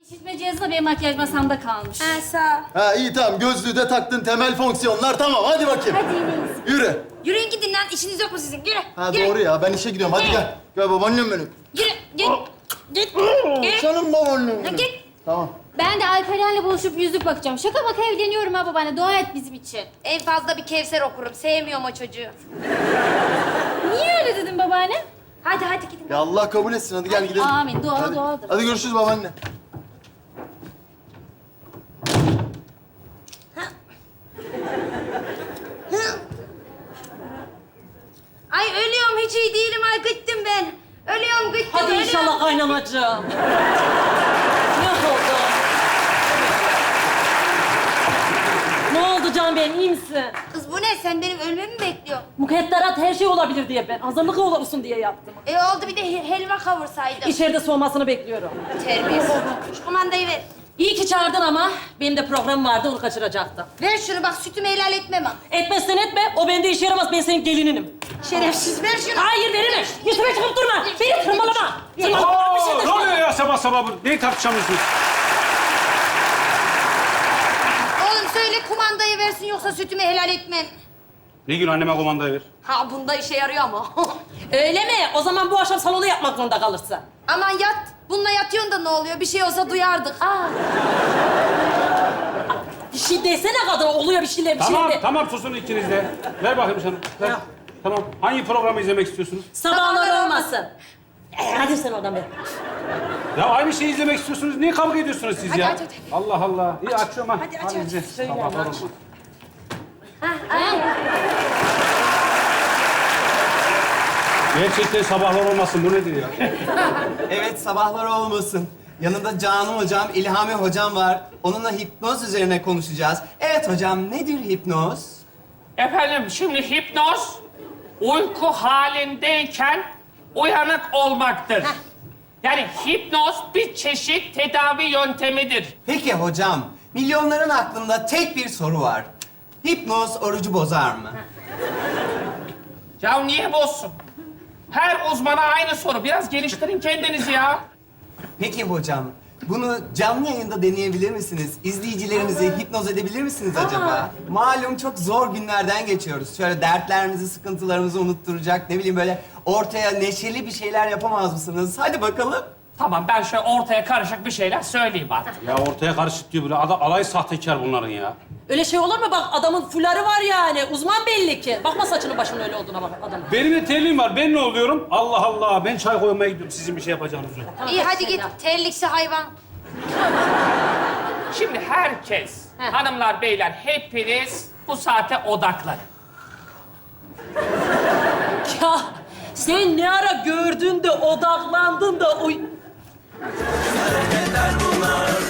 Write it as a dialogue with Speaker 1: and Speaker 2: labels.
Speaker 1: İşitme cihazı da benim makyaj masamda kalmış.
Speaker 2: Ha sağ ol.
Speaker 3: Ha iyi tamam. Gözlüğü de taktın. Temel fonksiyonlar tamam. Hadi bakayım.
Speaker 1: Hadi ineyiz.
Speaker 3: Yürü.
Speaker 2: Yürüyün gidin lan. İşiniz yok mu sizin? Yürü.
Speaker 3: Ha
Speaker 2: yürü.
Speaker 3: doğru ya. Ben işe gidiyorum. Hadi gel. Gel babaannem benim.
Speaker 2: Yürü. Git. Git. Git.
Speaker 3: Canım babaannem
Speaker 2: Ha,
Speaker 3: benim.
Speaker 2: git.
Speaker 3: Tamam.
Speaker 1: Ben de Alperen'le buluşup yüzük bakacağım. Şaka baka evleniyorum ha babaanne. Dua et bizim için.
Speaker 2: En fazla bir Kevser okurum. Sevmiyorum o çocuğu.
Speaker 1: Niye öyle dedin babaanne?
Speaker 2: Hadi gidin.
Speaker 3: Ya Allah kabul etsin. Hadi gel gidelim.
Speaker 1: Amin. Dua
Speaker 3: Hadi.
Speaker 1: doğadır.
Speaker 3: Hadi görüşürüz babaanne.
Speaker 2: Ay ölüyorum. Hiç iyi değilim. Ay gittim ben. Ölüyorum gittim.
Speaker 4: Hadi
Speaker 2: ölüyorum.
Speaker 4: inşallah kaynanacığım. Ne oldu? Ne oldu Can Bey'im, iyi misin?
Speaker 2: Kız bu ne? Sen benim ölmemi mi bekliyorsun?
Speaker 4: Mukadderat her şey olabilir diye ben. Hazırlık olsun diye yaptım.
Speaker 2: Oldu bir de helva kavursaydım.
Speaker 4: İçeride soğumasını bekliyorum.
Speaker 2: Terbiyesiz. Şu kumandayı ver.
Speaker 4: İyi ki çağırdın ama benim de programım vardı, onu kaçıracaktım.
Speaker 2: Ver şunu bak sütümü helal etmem ha.
Speaker 4: Etmezsen etme, o bende işe yaramaz. Ben senin gelininim.
Speaker 2: Şerefsiz ver şunu.
Speaker 4: Hayır, veremem. Yüzüme çıkıp durma. Beni tırmalama. Tırmalama. Bir şey de
Speaker 5: Ne oluyor ya sabah sabah bu? Neyi tartışamıyorsunuz?
Speaker 2: Oğlum söyle kumandayı versin yoksa sütümü helal etmem.
Speaker 5: Nilgün anneme kumandayı ver.
Speaker 4: Ha, bunda işe yarıyor ama. Öyle mi? O zaman bu akşam salonu yapmak zorunda kalırsın.
Speaker 2: Aman yat. Bununla yatıyorsun da ne oluyor? Bir şey olsa duyardık.
Speaker 4: Bir şey desene kadın, oluyor bir şeyler, bir
Speaker 5: Tamam,
Speaker 4: şeyler.
Speaker 5: tamam susun ikiniz de. Ver bakayım sana. Ver.
Speaker 4: Ya.
Speaker 5: Tamam. Hangi programı izlemek istiyorsunuz?
Speaker 4: Sabahlar olmasın. Hadi sen oradan be.
Speaker 5: Ya aynı şeyi izlemek istiyorsunuz. Niye kavga ediyorsunuz siz
Speaker 2: Hadi,
Speaker 5: ya?
Speaker 2: hadi.
Speaker 5: Allah Allah. İyi açıyorum ha.
Speaker 2: Hadi, aç, aç.
Speaker 5: izle.
Speaker 4: Söyle,
Speaker 5: Sabahlar
Speaker 4: aç.
Speaker 5: olmasın. Gerçekten sabahlar olmasın. Bu nedir ya?
Speaker 6: Evet, sabahlar olmasın. Yanında Canım hocam, İlhami hocam var. Onunla hipnoz üzerine konuşacağız. Evet hocam, nedir hipnoz?
Speaker 7: Efendim şimdi hipnoz uyku halindeyken uyanık olmaktır. Yani hipnoz bir çeşit tedavi yöntemidir.
Speaker 6: Peki hocam, milyonların aklında tek bir soru var. Hipnoz orucu bozar mı?
Speaker 7: Ya niye bozsun? Her uzmana aynı soru. Biraz geliştirin kendinizi ya.
Speaker 6: Peki hocam, bunu canlı yayında deneyebilir misiniz? İzleyicilerinizi hipnoz edebilir misiniz acaba? Malum çok zor günlerden geçiyoruz. Şöyle dertlerimizi, sıkıntılarımızı unutturacak, ne bileyim böyle ortaya neşeli bir şeyler yapamaz mısınız? Hadi bakalım.
Speaker 7: Tamam ben şöyle ortaya karışık bir şeyler söyleyeyim artık.
Speaker 5: Ya ortaya karışık diyor böyle. Alay sahtekar bunların ya.
Speaker 4: Öyle şey olur mu? Bak adamın fuları var yani. Uzman belli ki. Bakma saçının başının öyle olduğuna bak adamın.
Speaker 5: Benim de terliğim var. Ben ne oluyorum? Allah Allah. Ben çay koymaya gidiyorum. Sizin bir şey yapacağınız yok.
Speaker 2: İyi hadi git. Terliksi hayvan.
Speaker 7: Şimdi herkes, hanımlar, beyler hepiniz bu saate odaklanın.
Speaker 4: Ya sen ne ara gördün de odaklandın da uy...
Speaker 8: Bunlar